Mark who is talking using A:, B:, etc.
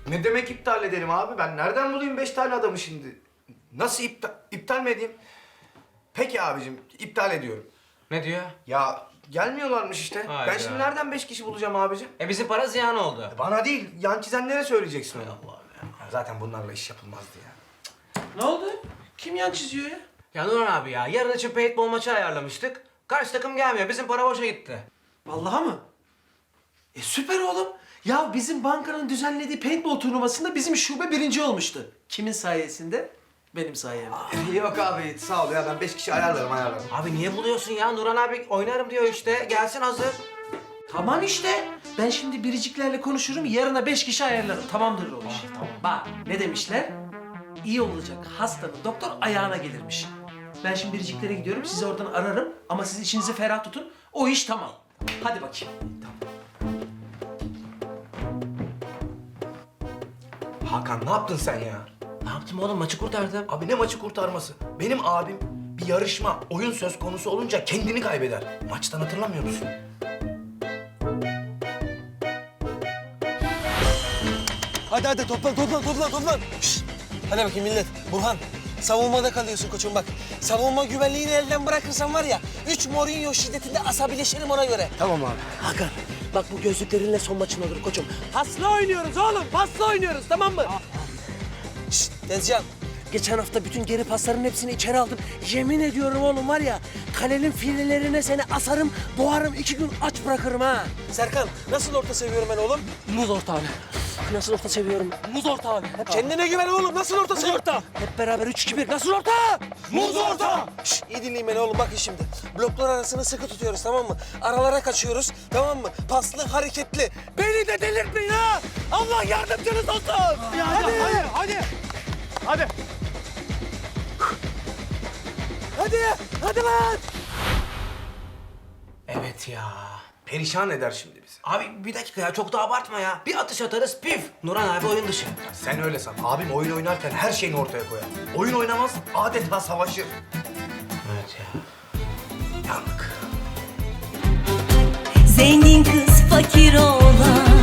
A: Ne demek iptal edelim abi? Ben nereden bulayım 5 tane adamı şimdi? Nasıl iptal mi edeyim? Peki abicim, iptal ediyorum.
B: Ne diyor?
A: Ya gelmiyorlarmış işte.
B: Hayda.
A: Ben şimdi nereden 5 kişi bulacağım abicim?
B: Bizim para ziyan oldu.
A: Bana değil, yan çizenlere söyleyeceksin onu. Allah'ım ya. Zaten bunlarla iş yapılmazdı ya.
C: Ne oldu? Kim yan çiziyor ya?
B: Ya Nurhan abi ya, yarın için paintball maçı ayarlamıştık. Karşı takım gelmiyor, bizim para boşa gitti.
C: Vallahi mı? Süper oğlum. Ya bizim bankanın düzenlediği paintball turnuvasında bizim şube birinci olmuştu. Kimin sayesinde? Benim sayemde.
A: Yok abi, sağ ol ya. Ben 5 kişi ayarlarım.
B: Abi niye buluyorsun ya? Nurhan abi oynarım diyor işte. Gelsin hazır.
C: Tamam işte. Ben şimdi biriciklerle konuşurum. Yarına 5 kişi ayarlarım. Tamamdır o iş.
B: tamam.
C: Bak ne demişler? İyi olacak hastanın doktor ayağına gelirmiş. Ben şimdi biriciklere gidiyorum. Sizi oradan ararım. Ama siz içinizi ferah tutun. O iş tamam. Hadi bakayım.
A: Hakan, ne yaptın sen ya?
B: Ne yaptım oğlum? Maçı kurtardım.
A: Abi ne maçı kurtarması? Benim abim bir yarışma, oyun söz konusu olunca kendini kaybeder. Maçtan hatırlamıyor musun?
D: Hadi toplan. Şşt. Hadi bakayım millet. Burhan, savunmada kalıyorsun koçum bak. Savunma güvenliğini elden bırakırsan var ya, 3 Mourinho şiddetinde asabileşirim ona göre.
A: Tamam abi.
D: Hakan, bak bu gözlüklerinle son maçın olur koçum. Pasla oynuyoruz oğlum, pasla oynuyoruz tamam mı? Şşt, Tezcan. Geçen hafta bütün geri pasların hepsini içeri aldım. Yemin ediyorum oğlum var ya, kalenin filelerine seni asarım, boğarım 2 gün aç bırakırım ha. Serkan, nasıl orta seviyorum ben oğlum? Muz orta abi. Nasıl orta seviyorum? Muz orta abi. Kendine güven oğlum, nasıl orta seviyorum? Orta. Hep beraber 3-2-1, nasıl orta? Muz orta. Şşt, iyi dinleyin beni oğlum, bakın şimdi. Bloklar arasını sıkı tutuyoruz tamam mı? Aralara kaçıyoruz tamam mı? Paslı, hareketli. Beni de delirtmeyin ha! Allah yardımcınız olsun! Hadi lan!
B: Evet ya.
A: Perişan eder şimdi bizi.
B: Abi bir dakika ya, çok da abartma ya. Bir atış atarız pif. Nurhan abi oyun dışı.
A: Sen öyle san. Abim oyun oynarken her şeyini ortaya koyar. Oyun oynamaz, adeta savaşır.
B: Evet ya.
A: Yandık.
E: Zengin kız fakir oğlan